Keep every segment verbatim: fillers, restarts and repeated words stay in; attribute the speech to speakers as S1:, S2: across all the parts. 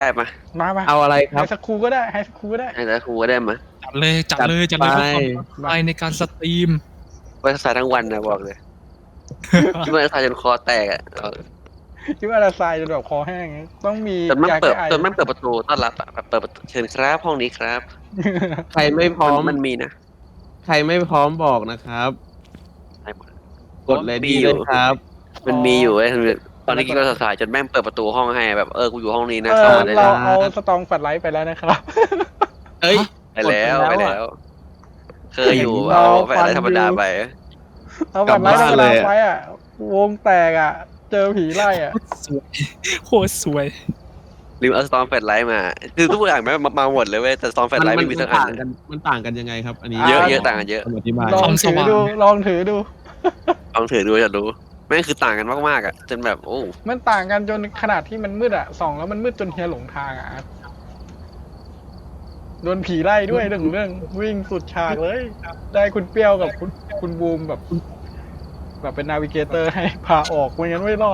S1: ได้มา
S2: มามา
S3: เอาอะไรค
S2: ไฮ
S3: รับ
S2: สคูลก็ได้ไฮสคูลก็ได้
S1: ให้แต่ครูก็ได้มา
S4: จัดเลยจัดเลยจัดเลยเพื่อความปลอดภัยในการสตรีม
S1: ไว้สายทั้งวันนะบอกเลยคิดว่าสายจนคอแตกอ่ะเออ
S2: คิดว่าเราทรายจนแบบคอแห้งต้องมี
S1: จนมัน
S2: ยา
S1: เปิ
S2: แก้
S1: ด
S2: ไอ
S1: จนมันเปิดประตูต้อนรับอ่ะแบบเปิดประตูเชิญครับห้องนี้ครับ
S3: ใครไม่พร้อม
S1: มันมีนะ
S3: ใครไม่พร้อมบอกนะครับ
S1: ให้หมด
S3: กดเลยดีเลยครับ
S1: มันมีอยู่ไอ้ยตอนนี้คิดว่าสายจนแม่งเปิดประตูห้องให้แบบเออกูอยู่ห้องนี้นะ
S2: เอ
S1: เข้า
S2: อ
S1: มาได้เล
S2: เรา
S1: ย
S2: เอาสตองแฟลชไลท์ไปแล้วนะครับ
S3: เอ้ย
S1: ไปแล้ว
S3: กด
S1: ไป
S3: ไปแล้ว
S1: แล้ว
S3: อะ
S1: เคยอยู่
S2: เรา
S1: เอาไปอะไร
S2: ฟัน
S1: ธรรมดา
S2: อยู่
S1: ไป
S2: เอาแฟลชไลท์ธรรมดาไปอ่ะวงแตกอ่ะ เจอผีไล่อ่ะ
S4: โคตรสวย
S1: ลืมเอาสตอมแฟลชไลท์มา คือทุกอย่างไม่มามาหมดเลยเว้ยแต่สตอมแฟลชไลท์
S3: มั
S1: ไม่มีสักอั
S3: ต่าน งกันมันต่างกันยังไงครับ อันนี้
S1: เยอะ
S2: อ่า
S1: เยอะต่างกันเยอะ
S3: คำอธิบาย
S2: ลองถือดูลองถือดู
S1: ลองถือดูจะรู้แม่งคือต่างกันมากๆอ่ะจนแบบโอ้
S2: มันต่างกันจนขนาดที่มันมืดอ่ะส่องแล้วมันมืดจนเฮียหลงทางอ่ะโดนผีไล่ด้วยเรื่องเรื่องวิ่งสุดฉากเลย ได้คุณเปรี้ยวกับคุณคุณบูมแบบ แบบเป็นนาวิเกเตอร์ให้พาออกไม่งั้นไม่รอด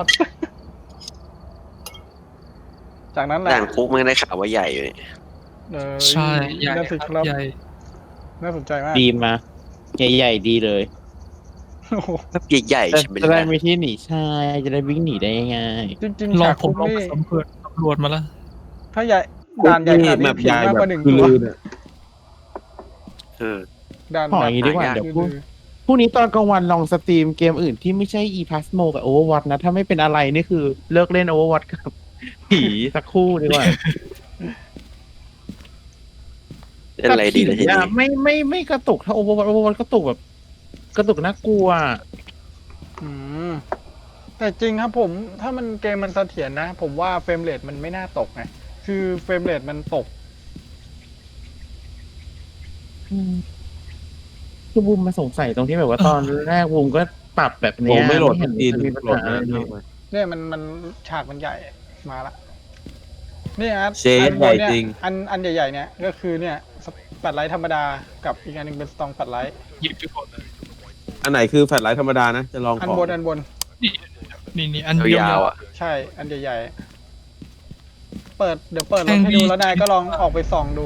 S2: จากนั้นแหละ
S1: ด่านคุกมันได้ข่าวว่าใหญ่อยู่นี่
S2: เออ
S4: ใช่ใหญ่
S2: น่าสน
S4: ค
S2: ค
S4: รั
S2: รั
S4: บบ ใหญ่
S2: น่าสนใจมาก
S5: ดีมาใหญ่ๆดีเลย
S2: โอ้โห
S1: แบบใหญ่ๆ
S5: จะ
S1: ใช่ไหม
S5: จะได้
S1: ล่ะ
S5: มีที่หนีใช่จะได้วิ่งหนีได้ง่าย
S2: จริง
S4: ล
S2: ๆ
S4: อง
S2: ฉาก
S4: ผม
S2: คุก
S4: ลอง
S2: นี่
S4: สำรวจตำรวจมาแล้ว
S2: ถ้าใหญ่ด่านใหญ่ขนาด
S3: แบ
S2: นี้
S3: บ
S2: ผี
S3: ใหญ่
S2: มาก
S3: แบ
S2: กว่า
S3: บ
S2: หนึ่ง
S3: คือ
S2: ตัว
S3: ลือเนี่ย
S1: เออ
S2: ด่าน
S5: ๆขออย่างนี้ดีกว่า
S1: หายาก
S5: เดี๋ยวพรุ่งพรุ่งนี้ตอนกลางวันลองสตรีมเกมอื่นที่ไม่ใช่ e p a s m o กับ Overwatch นะ ถ้าไม่เป็นอะไรนี่คือเลิกเล่น Overwatch กับผีสักครู่ดีกว่า
S1: เล่นอะไรดีเลยที
S5: แต่ผี
S1: นี้
S5: อะไม่ไม่ไม่กระตุกถ้า Overwatch Overwatch กระตุกแบบ กระตุกน่ากลัว
S2: อืมแต่จริงครับผม ถ้ามันเกมมันเสถียรนะ ผมว่าเฟรมเรทมันไม่น่าตกไงคือเฟรมเรทมันตก
S5: คือบูมมาสงสัยตรงที่แบบว่าตอนแรกบูมก็ปรับแบบ
S3: ผ
S5: เนี้
S3: ม
S5: ย
S3: ไม่โหลด
S5: เห็
S3: ส
S5: น
S3: ตรีม
S5: จะมีปัญ
S3: โหลด
S5: หาอะไร
S3: มา
S5: เลย
S2: เนี่ยมันมันฉากมันใหญ่มาละนี่อาร์ต
S3: เชด
S2: อันบนเนี่ย
S3: ใหญ่จริง
S2: อันอันใหญ่ๆเนี่ยก็คือเนี่ยปัดไลท์ธรรมดากับอีกอันหนึงเป็นสตองปัดไลท์
S4: หยิบไปก่อนเลย
S3: อันไหนคือแฟลชไลท์ธรรมดานะ จะลอง
S2: อัน
S3: ของ
S2: บนอันบน
S4: นี่นี่อันเดียวย
S1: าวๆอ่ะ
S2: ใช่อันใหญ่ๆเปิดเดี๋ยวเปิดรถให้ดูแล้วนายก็ลองออกไปส่องดู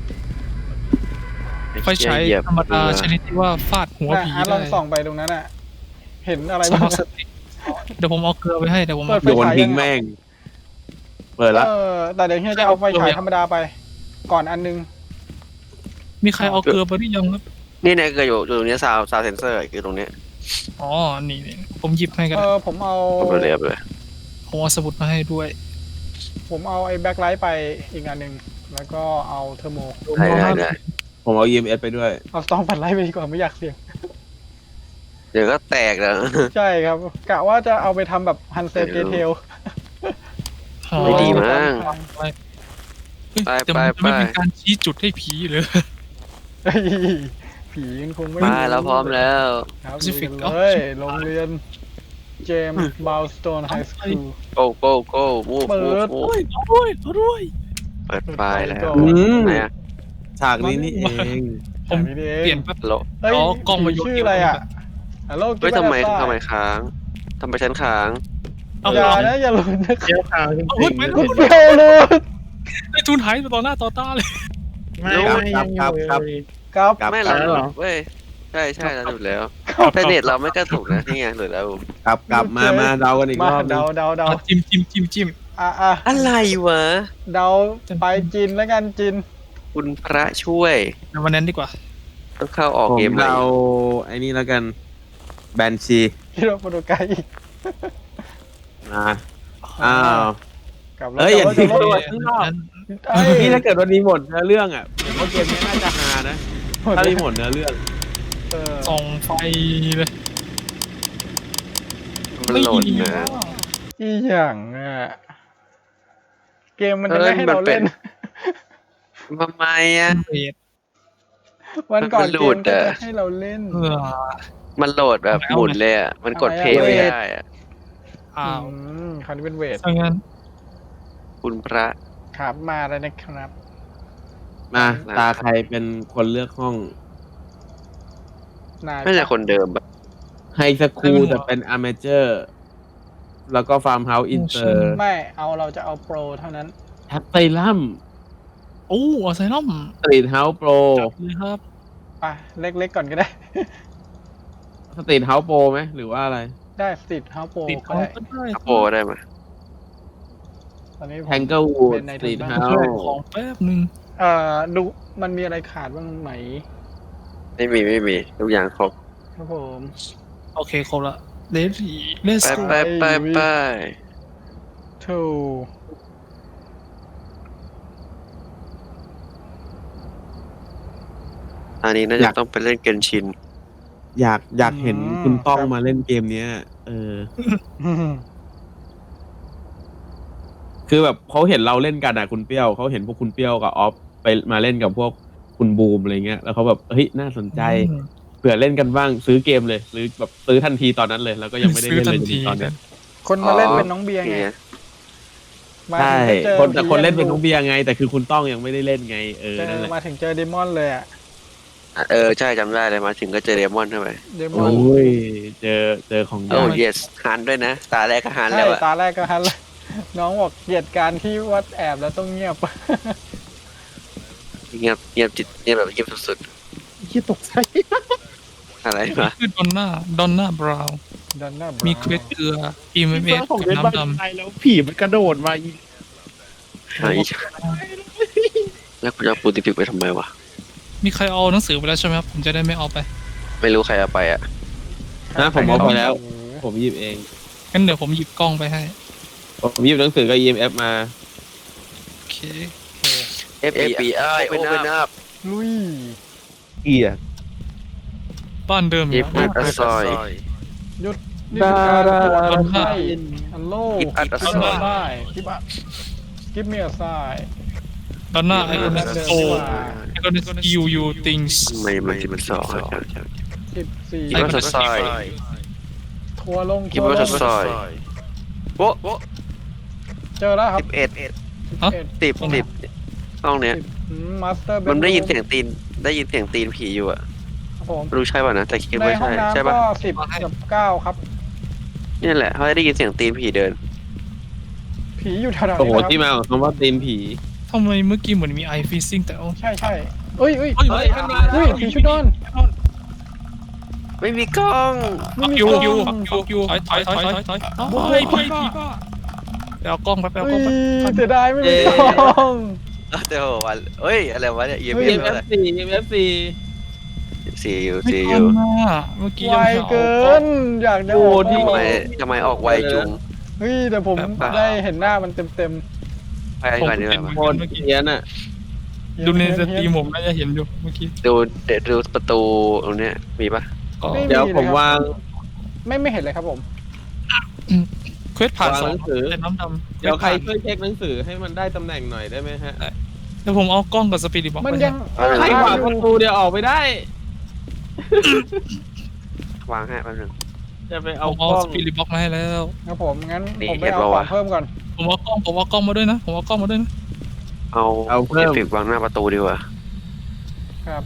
S4: ไฟใช้
S1: เหยียบ
S4: ธรรมดาชนิดที่ว่าฟาดหัว
S2: นะ
S4: ผี
S2: อาร์ตล
S4: ได้
S2: องส่องไปตรงนั้นอ่ะ เห็นอะไร
S4: ส
S2: บ้าง
S4: มัครสติเดี๋ยวผมเอาเกลือไปให้เดี๋ยวผม
S2: เปิ
S4: เอา
S2: ดไฟ
S3: โดน
S2: ฉาย
S3: ทิ้
S2: ยัง ง
S3: แม่ง เปิดละ
S2: เออแต่เดี๋ยวเฮียจะเอาไฟฉายธรรมดาไป ก่อนอันนึง
S4: มีใครเอาเกลือไปหรือยังครับ
S1: นี่เนี่ยเกิดอยู่อยู่ตรงนี้ซาวซาวเซนเซอร์คือตรงเนี้ย
S4: อ๋อนี่นี่ผมหยิบให้กัน
S2: เออผมเอา
S1: ผมไปเลยเอาไปเลย
S4: ผมเอาสมุดมาให้ด้วย
S2: ผมเอาไอ้แบ็คไลท์ไปอีกอันหนึ่งแล้วก็เอาเทอร์โม
S1: ได้ได้ได้
S3: ผมเอา อี เอ็ม เอส ไปด้วย
S2: เอาสตองปัดไลท์ไปดีกว่าไม่อยากเสี่ยง
S1: เดี๋ยวก็แตกแล้ว
S2: ใช่ครับกะว่าจะเอาไปทำแบบฮันเซลเกเทล
S1: ไม่ดีมั้ง
S4: เฮ้ย
S1: ไป
S4: แต่
S1: ไป
S4: มันจะไม่
S1: ไป
S4: เป็นการชี้จุดให้ผีเลย
S2: ผีมันคงไม่
S1: ไปแล้วพร้อมแล้ว
S2: ครับ
S4: Pacific
S2: ลุยกันเลยโรงเรียนเจมส์บาวสโตนไฮสคูล
S1: โก้โก้โก้มูฟ
S2: เปิ
S1: มูฟ
S2: ด
S1: มู
S4: โอ้
S1: ฟ
S4: ยโอ้ยด้วย
S1: เปิดไฟแล้ว
S2: ก่อน
S3: อืม
S1: ไหนอะ
S3: ฉากนี้นี่เอง
S4: ผม
S2: อันนี้เอง
S4: เปลี่ยนแป๊บ
S1: โล
S2: เฮ้ย
S4: อ๋อกล้องมาโยน
S2: ชื่ออะไรอ่ะฮัลโหล
S1: เฮ้ยทำไมทำไมค้างทำไมฉันค้าง
S4: เอา
S2: อย่า
S4: เอา
S2: นะอย่าหลุดนะ
S5: เจ้าทางจ
S4: เอาเฮ้
S5: ริ
S4: ย
S5: ง
S4: ไป
S5: ๆ
S4: แล้ว
S2: เดียวหลุด
S4: ไอ้ทุนหายต่อหน้าต่อตาเลย
S5: ไม่ไม่ยังอยู่เลย
S2: ครับ
S3: กลับ
S1: ไม่
S3: ก
S1: เรา
S3: ลับ
S5: แล้วเหรอ
S1: เว้ยใช่ใช่เราหลุดแล้วแต่เน็ตเราไม่กระตุกนะนี่ไงหลุดแล้ว
S3: กลับกลับมามาเดากันอีก
S2: มาร
S3: อบนึง
S2: เดาเดาเดา
S4: เอาจิ้มจิ้มจิ้มจิ้ม
S2: อ่ะอ่ะ
S1: อะไรวะ
S2: เดาไปจีนแล้วกันจีน
S1: คุณพระช่วย
S4: ในวันนั้นดีกว่า
S1: ต้องเข้าออก
S3: ผม
S1: เกมใหม่
S3: เดาไอ้นี่แล้วกัน แบนชี
S2: ฮิโรโปรโตไกอีก
S3: มาอ้าว
S2: กลับ
S3: เอ้ยอย่า
S2: ทิ้
S3: ทิ้งตัวข้างนอก นี่ถ้าเกิดวันนี้หมดเนื้อเรื่องอ่ะผมว่าเกมนี้น่าจะฮานะ ถ้ามีหมดเนื้อเรื่อง
S4: ส่องไฟเลย
S1: มันโหลดนะ
S2: อีหยังอ่ะเกมมันจะไม่ให้เราเล่น
S1: ทำไมอ่ะ
S4: เอ็ด
S2: วันก่อน
S1: มันห
S2: เก
S1: ลุ
S2: ม
S1: ด
S2: ก็
S1: อะ
S2: จะให้เราเล่น
S4: เพื่อ
S1: มันโหลดแบบหมุนเลยอ่ะมันกดเพลย์
S2: ทำไมอะ
S1: ไม่ได้อ่ะ
S4: อ้าว
S2: อืมคราวนี้เป็นเวท
S4: ถ้างั้น
S1: คุณพระ
S2: ครับมาแล้วนะครับ
S3: มาตาใครเป็นคนเลือกห้อง
S2: นาย
S1: ไม่ใช่คนเดิมแบบ
S3: ไฮสคูลแต่เป็นอเมเจอร์ แล้วก็ฟาร์มเฮาส์อินเตอร์
S2: ไม่เอาเราจะเอาโปรเท่านั้น
S3: ไทแอสไซลัม
S4: โอ้อาไซนัม
S3: สตรีทเฮาส์โปร
S4: เลยครับ
S2: ไปเล็กๆก่อนก็ได้
S3: สตรีทเฮาส์โปรไหมหรือว่าอะไร
S2: ได้สติดเฮาโป
S4: ติด
S2: ก็
S4: เขา
S2: ได้
S4: ก็ได้
S1: อัปโปได้ไหม
S2: ตอนนี้ผม
S3: แทงเกิลวูด
S2: เป็นใน
S3: สตรีท
S2: ทุน
S3: เฮา
S2: บ้าน
S4: ช่วย
S3: ส์
S4: ของแป๊บนึง
S2: เอ่อดูมันมีอะไรขาดบ้างไหม
S1: ไม่มีไม่มีทุกอย่างครบ
S2: ครับผม
S4: โอเคครบละเลดี้เลส
S1: ไปไปไปไป
S2: ทู
S1: อันนี้น่าจะต้องไปเล่นเกนชิน
S3: อยากอยากเห็นคุณต้องมาเล่นเกมเนี้ย เออ คือแบบเขาเห็นเราเล่นกันอะคุณเปรี้ยวเขาเห็นพวกคุณเปรี้ยวกับออฟไปมาเล่นกับพวกคุณบูมอะไรเงี้ยแล้วเขาแบบเฮ้ยน่าสนใจเผื่อเล่นกันบ้างซื้อเกมเลยซื้อแบบซื้อทันทีตอนนั้นเลย แล้วก็ยังไม่ได้เล่นเลยจนถึงตอนเนี้ย
S2: คนมาเล่นเป็นน้องเบียร์ไง
S1: เนี่ย
S2: มา
S3: ใช่
S2: ถึงไปเจอ
S3: คนแต่คนเล่น
S2: ผี
S3: เป็นน้องเบียร์ไง แต่คือคุณต้องยังไม่ได้เล่นไงเออ
S2: เจอ
S3: นั่นแหละ
S2: มาถึงเจอเดมอนเลยอะ
S1: เออใช่จำได้เลยมาถึงก็เจอเดมอนเข้าไป
S2: เดม
S3: โอ
S2: อน้
S3: ยเจอเจอของ
S1: โอ้
S3: ยาก
S1: yes หันด้วยนะ ตาแรกก็หัน
S2: ใช่
S1: แล้วอะ
S2: ตาแรกก็ฮันเลยน้องบอกเกลียดการที่วัดแอบแล้วต้องเงียบ
S1: เงียบเงียบจิตเงียบแบบเงียบสุด
S5: ที่ตกใจ
S1: ๆอะไรมา
S4: คือดอนน่าดอนน่าบราวน์
S2: ดันหน้า
S4: มีเควสเกลือ อีเมเอ
S5: ที่
S4: ส
S5: ของ
S4: กับ
S5: เล่นบ้าน
S4: น้ำด
S5: ไทยแล้วผีมันกระโดดมาอีก
S1: ไอ้แล้วคุณจะเอาปูติปิกไปทำไมวะ
S4: ำมีใครเอาหนังสือไปแล้วใช่ไหมครับผมจะได้ไม่เอาไป
S1: ไม่รู้ใครเอาไปอ่ะ
S3: นะผมเอาไปแล้ว ผมหยิบเอง
S4: งั้นเดี๋ยวผมหยิบกล้องไปให้
S3: ผมหยิบหนังสือกับ อี เอ็ม เอฟ มา
S4: โอเค
S1: เอฟบีไอ open up
S2: ลุย
S3: เกีย
S4: บ้านเดิม
S1: ยิบ
S4: นะ
S1: อัดซอย
S2: หยุดนี่คือการตรวจ
S4: ดา
S2: คน
S4: ดา
S2: ไข้ฮัลโหล
S1: Give us a
S2: กิฟ
S1: sign
S2: ต์ได้กิฟต์กิฟต์มีอะไซ
S4: ดอนน่าไอคอน
S2: เดิน
S4: โอ
S2: ดีกว่า
S4: ไอคอนสกิลยูติงส์
S1: ทำไมมันที่มันสองอะ
S2: สิบสี่
S1: กิบอัดซอย
S2: ทัวร์ลง
S1: กิบ
S2: ทัวร์
S1: อั
S2: ล
S1: ด
S2: ง
S1: ซอยโป๊ะ
S2: เจอแล้วครับ
S1: สิบเอ็ด
S2: เอ็ด
S1: สิบสิบห้องเนี้ย
S2: มาสเตอร์
S1: มันได้ยินเสียงตีนได้ยินเสียงตีนผีอยู่อ่ะ
S2: ครับผม
S1: ไม่รู้ใช่ป่ะนะแต่คิด
S2: ใน
S1: ว่า
S2: ห้อ
S1: ใช่
S2: งน้ำ
S1: ใช่ป่ะ
S2: ก็สิบกับเก้าครับ
S1: นี่แหละเขาได้ยินเสียงตีนผีเดิน
S2: ผีอยู่แถวๆ
S3: โอ้โห
S2: นี้นะ
S3: ที่
S2: ครับ
S3: มาของคำว่าตีนผี
S4: ทำไมเมื่อกี้เหมือนมีไอฟิซซิ่งแต่เอา
S2: ใช่ใช่เอ้ยเอ้ย
S4: เฮ้ย
S3: เฮ้ยมันมา
S2: เฮ้ยผีชุดนอน
S1: ไม่มีกล้อง
S2: ไม่มี
S4: คิว
S2: กล้อง
S4: คิวคิวคิวถอยถอยถอยถอยถอยเฮ้ยพี่พี่ป้าไปเอากล้องไปไปเอา
S2: เฮ้
S4: กล้องไป
S2: ยเสียดายไม่มีกล้อง
S1: เดี๋ยววันเฮ้ยอะไรวะเนี่ย e m
S2: เฮ้
S1: f
S2: ย
S3: เอ็ม
S1: อะ
S3: เอ
S1: ไร
S3: ฟ ซี เอ็ม เอฟ ซี
S1: สี่อยู่
S4: ไม่
S1: สี่อ
S4: ทัน
S1: ยู่
S4: นะเมื่อกี้
S2: ไว
S4: ยัง
S2: เกิน อยากจะ
S3: โอ้
S2: ออก
S3: ที่
S1: ทำไม
S2: กล้อง
S1: ทำไมออกไวจุง
S2: เฮ้ยแต่ผม
S1: แบบ
S2: ได้เห็นหน้ามันเต็มเต็ม
S1: ไปก่อนดีกว่า
S3: โคตรเกียนอ่ะ
S2: ๆ
S4: ดูในสตรีมผมน่าจะเห็นอยู่เมื่อกี้
S1: ดูเดี๋ยวดูประตูตรงเนี้ยมีปะ
S4: ก็
S3: เดี๋ยวผมวาง
S2: ไม่ไม่เห็นเลยครับผม
S4: เควสผ่าน
S3: วาง
S4: สอ
S3: ห
S4: ง
S3: นังสือ
S4: แต่น้ำดำ
S3: เดี๋ยวใครช่วยเช็คหนังสือให้มันได้ตำแหน่งหน่อยได้ไหมฮะ
S4: เดี๋ยวผมเอากล้องกับสปีดบอก
S2: มัน
S4: ไป
S2: ยัง
S3: ใครวางประตูเดี๋ยวออกไปได้
S1: วางให้แป๊บนึง
S3: จะไป
S4: เอา
S3: เอาก
S4: เอา
S3: ล้อ
S4: ส
S3: ง
S4: ปีดบอกมาให้แล้ว
S2: ครับผมงั้น
S1: นี่
S2: ผมไป
S1: เห็น
S2: เอา
S1: ปะ
S2: ขอ
S1: วะ
S2: งเพิ่มก่อน
S4: ผมเอากล้องผมเอากล้องมาด้วยนะผมเอากล้องมาด้วยนะ
S1: เอา
S3: เอาเพิ่ม
S1: เอฟเฟกต์วางหน้าประตูดีกว่า
S2: ครับ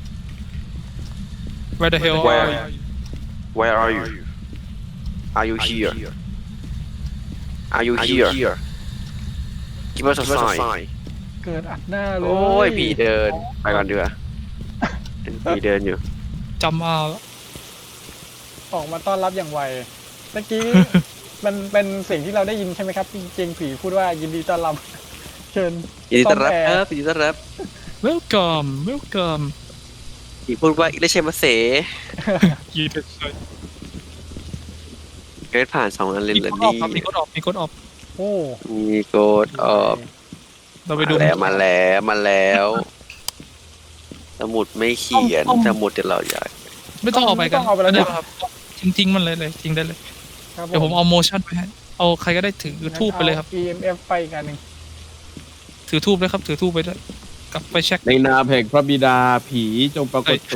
S4: Where the hell
S1: Where?
S4: are you
S1: Where are you Are you here Are you here Give us a sign
S2: เกิดอัดหน้าเลย
S1: โอ้ยผีเดินไปก่อนดีกว่าเป็นผีเดินอยู่
S4: จำเอาแล้ว
S2: ออกมาต้อนรับอย่างไวเมื่อกี้ มันเป็นเสียงที่เราได้ยินใช่ไหมครับจริงๆผีพูดว่ายินดีต้อนรับ เชิญ
S1: ยินดีต้อนรับ
S2: ซ่อมแอ
S1: ค
S2: ร์
S1: รับยินดีต้อนรับ
S4: Welcome Welcome
S1: ผีพูดว่าอิเลเชมาเส
S4: ยีเด็ดเลย
S1: เกิดผ่านสองอันเลย
S4: มี
S1: เหร
S4: ก
S1: อ
S4: ดออก
S1: นี่
S4: ครับมีกดออกมีกดออก
S2: โอ้
S1: มีโกดออก
S4: เราไปดู
S1: มาแล้วมาแล้วมาแล้ว สมุดไม่เขียนสมุดเดี๋ยวเราอยาก
S4: ไม่ต้องเอาไปกัน
S2: ม่ต้องเอาไปแล้ว
S4: เดี๋
S2: เนี่ย ยว
S4: ครับทิ้งทิ้งมันเลยเลยทิ้งได้เลย
S2: ครับ
S4: เดี๋ยวผมเอาโมชั่นไปให้เอาใครก็ได้ถือทูบไปเลยครับ
S2: อา อี เอ็ม เอฟ ไปอีกอันหนึ่ง
S4: ถือทูบเลยครับถือทูบไปด้วยกลับไปเช็ค
S3: ในนามแห่งพระบิดาผีจงปรากฏตัว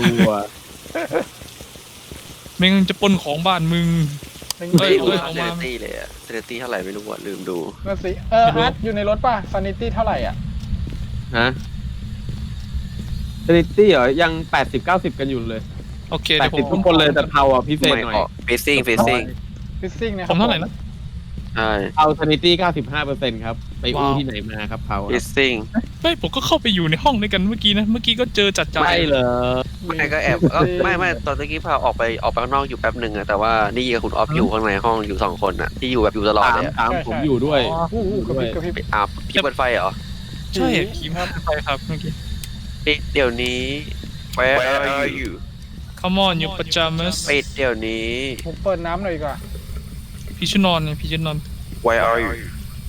S4: ไม่งั้นจะปล้นของบ้านมึง
S2: เป็น
S4: เฮ้ย
S1: ไม่
S4: เฮ้
S1: รู้
S4: ย
S1: เซ
S4: เอา
S1: เน
S4: มา
S1: ตี้เลยอะเซเนตี้เท่าไหร่ไม่รู้อะลืมดู
S2: นั่นสิเอออาร์ตอยู่ในรถป่ะซานิตี้เท่าไหร่อ่ะ
S3: ฮะสถิติเหรอ ยังแปดสิบเก้าสิบกันอยู่เลย
S4: โอเค
S3: แป
S4: เดี๋
S3: ด
S4: ยวผ
S3: สิบ
S4: ม
S3: ทุกคนเลยแต่เทาอ่ะพิเศษ
S1: ไม่
S3: หน่อย
S1: ออกเฟซซิ่งเฟซซิ่ง
S2: ฟิซซิ่งนะค
S4: ผ
S2: รับ
S4: มเท่าไหร่นะ
S1: ใช่
S3: เอาซานิตี้เก้าสิบห้าเปอร์เซ็นต์ครับ ไปอู้
S4: ว้าว
S3: ที่ไหนมาครับเขา
S1: ลิสซิ่ง
S4: ไม่ผมก็เข้าไปอยู่ในห้องด้วยกันเมื่อกี้นะ เมื่อกี้ก็เจอจัดจ่า
S3: ใช่
S4: ย
S3: เหรอ
S1: ไม่ก็แอบก็ไม่ไม่ตอนเมื่อกี้พาออกไปออกไปข้างนอกอยู่แป๊บหนึ่งอะแต่ว่านี่กับคุณออฟอยู่ข้างในห้องอยู่สองคนอะที่อยู่แบบอยู่ตลอด
S3: ตาม
S1: เลยอะ
S3: ตามผมอยู่ด้วย
S4: อ๋อ
S2: อู้หูกระพริบกระพริบ
S1: อาบพี่เปิดไฟเหรอ
S4: ใช่ผีมาไปครับเมื่อกี้
S1: ปิดเดี๋ยวนี้ Where are you
S4: Come on your pajamas
S1: ปิดเดี๋ยวนี้
S2: ผมเปิดน้ำหน่อยดีกว่า
S4: พี่ชุดนอนไงพี่ชุดนอน
S1: Where are you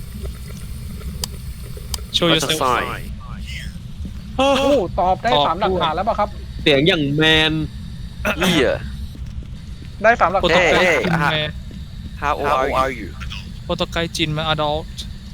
S4: show
S1: What's the
S4: yourself
S1: sign
S2: โอ้ตอบได้
S4: ตอบ
S2: สามหลัก
S4: ด้วย
S2: ฐานแล้วป่ะครับ
S3: เสียงอย่างแมน
S1: เฮีย
S2: ได้สามหลัก
S4: โปร
S2: ฐา
S4: โต
S2: น
S4: ไก
S1: เอ้
S4: ด์
S1: ย
S4: จิน
S1: อ่ะ
S4: แม่
S1: How old are you
S4: โปรโตไกด์จินมา adult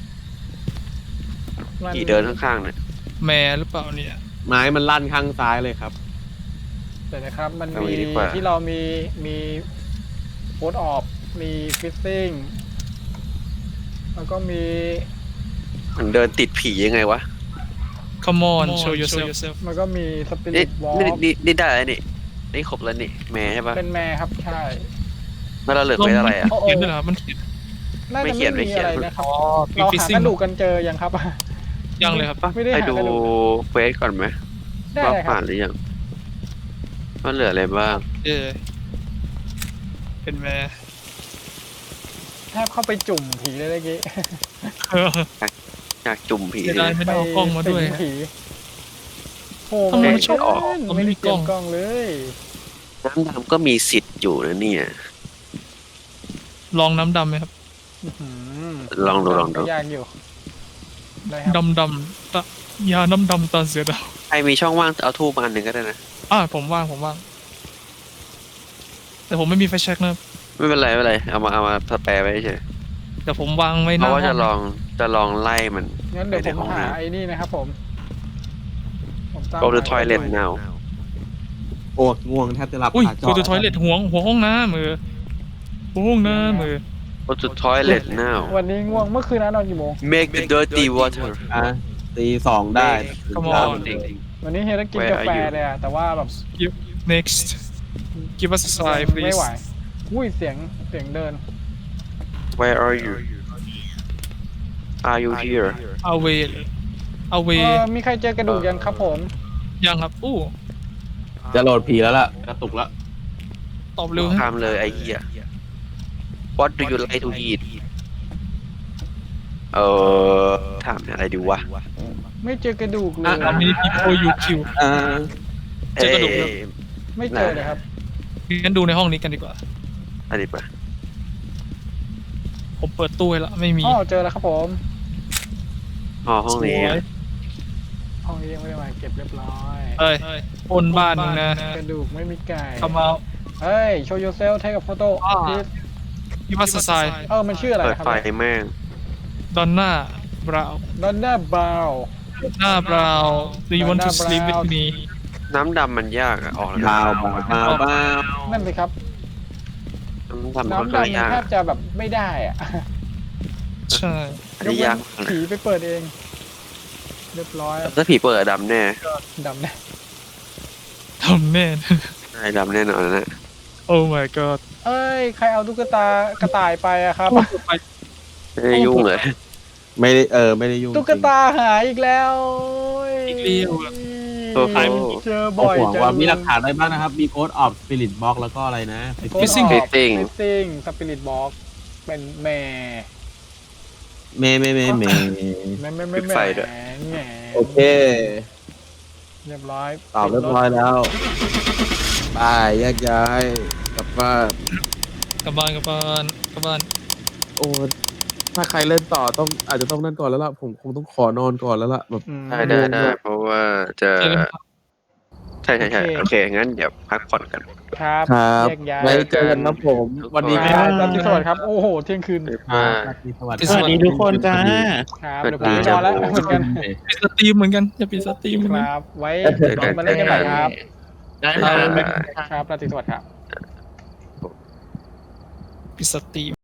S2: มัน
S1: ขี่เดินข้างๆเนี่ย
S4: แม่หรือเปล่าเนี่ย
S3: ไม้มันลั่นข้างซ้ายเลยครับ
S2: เดี๋ยวนะครับ มัน
S1: เอา
S2: มี
S1: งี้ดีกว่า
S2: ที่เรามีมีโพสออฟมีฟิซซิ่งแล้วก็มี
S1: มันเดินติดผียังไงวะ
S4: Come on show yourself
S2: มันก็มีสปิริ
S1: นี่
S2: ตวอล์
S1: นี่
S2: ก
S1: นี่นี่ได้แล้วนี่นี่ครบแล้วนี่แม่ใช่ปะ
S2: เป็นแม่ครับใช่
S1: แล้วเราเหลือไปอะไรอ่ะ
S2: โอ้โห
S4: เขียนด้วยเหรอมันเขียน
S2: น่า
S1: ไม่
S2: จะ
S1: เขียน
S2: ไม่
S1: ไม่
S2: มี
S1: เขียน
S2: อะไรนะครับ
S4: อ๋อ
S2: เรา
S4: ฟิซ
S2: หา
S4: ซิ่
S2: ก
S4: ง
S2: ระดูกกันเจอยังครับ
S4: ยังเลยครับ
S2: ไม่ได้
S1: ไป
S2: หา
S1: ดู
S2: กระดูก
S1: เควสก่อนไหม
S2: ได้
S1: ว่า
S2: เลยครั
S1: ผ่า
S2: บ
S1: นหรือยังว่าเหลืออะไรบ้าง
S4: เออเป็นแม่
S2: แทบเข้าไปจุ่มผีเลยเมื่อกี้
S4: เออ
S1: อยากจุ่มผี
S4: เสีย
S1: เล
S4: ดาย
S1: ย
S4: ไม่ได้เอากล้องมาด้วย
S2: สิงผีโอ้
S4: ทำไม
S2: ไม่
S4: มันชอบออก
S2: เล่น
S4: มันไม่
S2: ไม่
S4: มี
S2: ได้เตรียม
S4: ก
S2: ก
S4: ล้
S2: ล้
S4: อ
S2: อง งเลย
S1: น้ำดำก็มีสิทธิ์อยู่นะเนี่ย
S4: ลองน้ำดำไหมครับ
S2: อื้อหื
S1: ลองดูลองดู
S2: ยากอยู่ได้ครับ
S4: ดำดำตะยาน้ำดำตาเสือดาว
S1: ใครมีช่องว่างเอาทูบมาอันหนึ่งก็ได้นะ
S4: อ่าผมว่างผมว่าง แต่ผมไม่มีไฟแช็กนะครับ
S1: ไม่เป็นไรไม่เป็นไรเอามาเอามาสแปรไว้เฉย
S4: แต่ผมวางไว้ห
S1: เพ
S4: น้า
S1: ราะว่า
S4: ห้
S1: จะ
S4: อง
S1: ลองจะลองไล่มัน
S2: งั้นเดี๋ยว
S1: ไป
S2: ผ
S1: ใน
S2: ม
S1: ห้อง
S2: หา
S1: น้ำ
S2: ไอ้นี่นะครับผมผมตาม
S1: go to
S2: หา
S1: toilet now
S3: โอ้ง่วงแทบจะหลับ
S4: อุ้ย
S3: ขาจ
S4: กูจะทอยเล็ตหัวหัวห้องน้ำมือหัวห้องน้ำมือ
S1: go to toilet now
S2: วันนี้ง่วงเมื่อคืนนะนอนกี่โมง
S1: make the dirty water
S3: อ่ะตีสองได้
S4: Come
S1: เอา
S4: on
S1: จริง
S2: วันนี้เฮยต้องกิน
S1: Where
S2: กาแฟ
S1: are you?
S2: เลยอะแต่ว่าแบบ
S4: Give next give us a sign
S2: ไม่
S4: please
S2: ไหวอุ้ยเสียงเสียงเดิน
S1: where are you are you here
S4: away
S2: เอ
S4: away
S2: อมีใครเจอกระดูกยังครับผม
S4: ยังครับอู้
S3: จะโหลดผีแล้วล่ะ กระตุกแล้ว
S4: ตอบเร็วฮะ
S1: ทำเลยไอ้เหี้ย what do you like to eat เออถามอะไรดีวะ
S2: ไม่เจอกระดูกเลย
S4: how many people you kill
S3: อ่า
S4: เจอกระดูก
S1: เอ้ย
S2: ไม่เจอเลยครับ
S4: งั้นดูในห้องนี้กันดีกว่า
S1: อันนี้ปะ
S4: ผมเปิดตู้ให้ละไม่มี
S2: อ๋อเจอแล้วครับผม
S1: อ๋อห้องนี้
S4: สว
S1: อะ
S4: ย
S2: ห้องนี้ยังไม่ได้มาเก็บเรียบร้อย
S4: เอ้ยปนบ้านหนึงนะ
S2: กระดูกไม่มีไก่
S4: เข้ามา
S2: เฮ้ย show yourself take a photo
S4: อ่า
S2: please
S4: give us a sign
S2: เออมันชื่ออะไร
S1: เปิด
S2: นะครับ
S1: ไฟแม่ง
S4: Donna Brown
S2: ดอนน่าบาว
S4: Donna Brown do you want to
S2: Donna
S4: sleep with
S2: Brown
S4: me
S1: น้ำดำมันยากอะออกแล้ว
S3: บาวบาวบาวบาว
S2: นั่นสิครับ
S1: น้ำดำมันค่อน
S2: น้ำ
S1: ข้าง
S2: ดำมัน
S1: ยาก
S2: แทบจะแบบไม่ได้อะ
S4: ใช่
S1: อันนี้ยากมากเลย
S2: ผีไปเปิดเอง เรียบร้อย
S1: ถ้าผีเปิดอะดำแน่
S2: ดำแน่
S4: ทำแน่
S1: ใช่ดำแน่นอนนะ
S4: Oh my god
S2: เอ้ย ใครเอาตุ๊กตากระต่ายไปอะครับ
S1: ไม่ได้ยุ่งเลย
S3: ไม่ได้เออ ไม่ได้ยุ่ง
S2: ตุ๊กตาหายอีกแล้ว
S4: อีกแล้วอะ
S1: โอ้โห
S2: เจอ
S3: บ่
S2: บ่
S3: อ
S2: อย ย
S3: ห่วง
S2: จัง
S3: ว่ามีหลักฐานอะไรบ้างนะครับ มีโค้ดออฟสปิริตบ็อกแล้วก็อะไรนะ
S4: Fishing
S1: Fishing
S2: Fishing Spirit Box เป็นแม่
S3: เมย์เมย์เมย์เมย์
S2: แม่แม่แม่
S1: ปิดไฟด้วย
S2: แม่
S3: โอเค
S2: เรียบร้อย
S3: ตอบเรียบร้อยแล้วบายแยกย้ายกลับบ้าน
S4: กลับบ้านกลับบ้านกลับบ้าน
S3: โอ้ถ้าใครเล่นต่อต้องอาจจะต้องนั่นก่อนแล้วล่ะ ผมคงต้องขอนอนก่อนแล้วล่ะแบบ
S2: อืม
S1: ได้ได้ได้เพราะว่าจะ
S4: เจอกันครับ
S1: ใช่ใช่ใช่
S2: โอเค
S1: โอเค งั้นเดี๋ยวพักผ่อนกัน
S2: ครับ
S3: ครับ
S2: แยกย้าย
S3: ไว้เจอกันนะผม วันนี้
S2: ค
S3: ไม่
S2: รับ
S3: ได้
S2: ราตรีสวัสดิ์ครับ โอ้โห เที่ยงคืน
S1: อ่า
S3: สวัส
S4: สวัสดีทุกคนจ้า
S2: ครับ เดี๋ยวผมไปนอนแล้วเหมือนกัน
S4: ปิดสตรีมเหมือนกันจะปิดสตรีมเหมือน
S2: ค
S4: กัน
S2: รับ ไว้ลองมาเล่นกันใหม่ครับ
S3: ได้
S1: อ่า
S2: ครับราตรีสวัสดิ์ครับ
S4: ปิดสตรีม